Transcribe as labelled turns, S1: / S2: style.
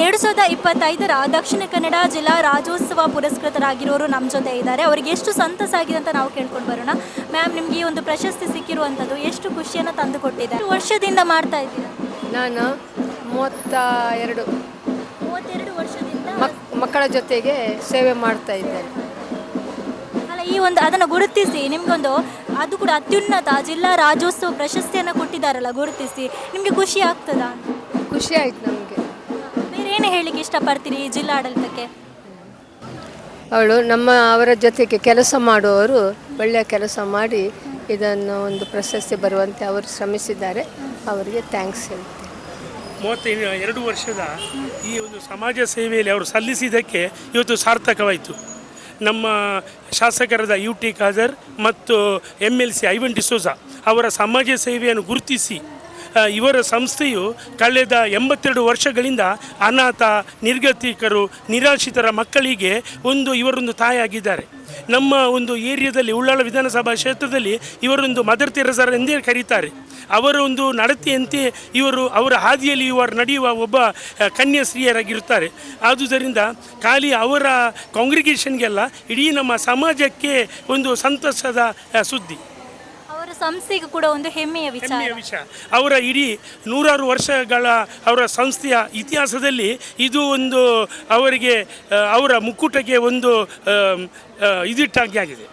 S1: 2025ರ ದಕ್ಷಿಣ ಕನ್ನಡ ಜಿಲ್ಲಾ ರಾಜ್ಯೋತ್ಸವ ಪುರಸ್ಕೃತರಾಗಿರೋರು ನಮ್ಮ ಜೊತೆ ಇದ್ದಾರೆ. ಅವರಿಗೆ ಎಷ್ಟು ಸಂತಸ ಆಗಿದೆ ಅಂತ ನಾವು ಕೇಳ್ಕೊಂಡು ಬರೋಣ. ಮ್ಯಾಮ್, ನಿಮಗೆ ಈ ಒಂದು ಪ್ರಶಸ್ತಿ ಸಿಕ್ಕಿರುವಂಥದ್ದು ಎಷ್ಟು ಖುಷಿಯನ್ನು ತಂದು ಕೊಟ್ಟಿದೆ? ಎಷ್ಟು ವರ್ಷದಿಂದ ಮಾಡ್ತಾ ಇದ್ದೀರಾ?
S2: ನಾನು 32
S1: ವರ್ಷದಿಂದ
S2: ಮಕ್ಕಳ ಜೊತೆಗೆ ಸೇವೆ ಮಾಡ್ತಾ ಇದ್ದೇನೆ.
S1: ಅಲ್ಲ, ಈ ಒಂದು ಅದನ್ನು ಗುರುತಿಸಿ ನಿಮಗೊಂದು ಅದು ಕೂಡ ಅತ್ಯುನ್ನತ ಜಿಲ್ಲಾ ರಾಜ್ಯೋತ್ಸವ ಪ್ರಶಸ್ತಿಯನ್ನು ಕೊಟ್ಟಿದ್ದಾರಲ್ಲ, ಗುರುತಿಸಿ ನಿಮಗೆ ಖುಷಿ ಆಗ್ತದಾ?
S2: ಖುಷಿ ಆಯ್ತು ನಮಗೆ.
S1: ಬೇರೆ ಏನು ಹೇಳಲಿಕ್ಕೆ ಇಷ್ಟಪಡ್ತೀರಿ ಈ ಜಿಲ್ಲಾಡಳಿತಕ್ಕೆ?
S2: ಅವರ ಜೊತೆಗೆ ಕೆಲಸ ಮಾಡುವವರು ಒಳ್ಳೆಯ ಕೆಲಸ ಮಾಡಿ ಇದನ್ನು ಒಂದು ಪ್ರಶಸ್ತಿ ಬರುವಂತೆ ಅವರು ಶ್ರಮಿಸಿದ್ದಾರೆ. ಅವರಿಗೆ ಥ್ಯಾಂಕ್ಸ್ ಹೇಳ್ತೀನಿ.
S3: 32 ವರ್ಷದ ಈ ಒಂದು ಸಮಾಜ ಸೇವೆಯಲ್ಲಿ ಅವರು ಸಲ್ಲಿಸಿದ್ದಕ್ಕೆ ಇವತ್ತು ಸಾರ್ಥಕವಾಯಿತು. ನಮ್ಮ ಶಾಸಕರಾದ UT ಖಾದರ್ ಮತ್ತು MLC ಐವನ್ ಡಿಸೋಜ ಅವರ ಸಮಾಜ ಸೇವೆಯನ್ನು ಗುರುತಿಸಿ ಇವರ ಸಂಸ್ಥೆಯು ಕಳೆದ 82 ವರ್ಷಗಳಿಂದ ಅನಾಥ, ನಿರ್ಗತಿಕರು, ನಿರಾಶ್ರಿತರ ಮಕ್ಕಳಿಗೆ ಇವರೊಂದು ತಾಯಿಯಾಗಿದ್ದಾರೆ. ನಮ್ಮ ಒಂದು ಏರಿಯಾದಲ್ಲಿ ಉಳ್ಳಾಳ ವಿಧಾನಸಭಾ ಕ್ಷೇತ್ರದಲ್ಲಿ ಇವರೊಂದು ಮದರ್ ತೆರೆಸರ್ ಎಂದೇ ಕರೀತಾರೆ. ಅವರ ಒಂದು ನಡತೆಯಂತೆ ಅವರ ಹಾದಿಯಲ್ಲಿ ನಡೆಯುವ ಒಬ್ಬ ಕನ್ಯಾಸ್ತ್ರೀಯರಾಗಿರುತ್ತಾರೆ. ಆದುದರಿಂದ ಖಾಲಿ ಅವರ ಕಾಂಗ್ರಿಗೇಷನ್ಗೆಲ್ಲ ಇಡೀ ನಮ್ಮ ಸಮಾಜಕ್ಕೆ ಒಂದು ಸಂತಸದ ಸುದ್ದಿ.
S1: ಅವರ ಸಂಸ್ಥೆಗೂ ಕೂಡ ಒಂದು ಹೆಮ್ಮೆಯ ವಿಷಯ.
S3: ಅವರ ಇಡೀ 100 ವರ್ಷಗಳ ಅವರ ಸಂಸ್ಥೆಯ ಇತಿಹಾಸದಲ್ಲಿ ಇದು ಒಂದು ಅವರಿಗೆ ಅವರ ಮುಕ್ಕುಟಕ್ಕೆ ಒಂದು ಇದಿಟ್ಟಾಗಿ ಆಗಿದೆ.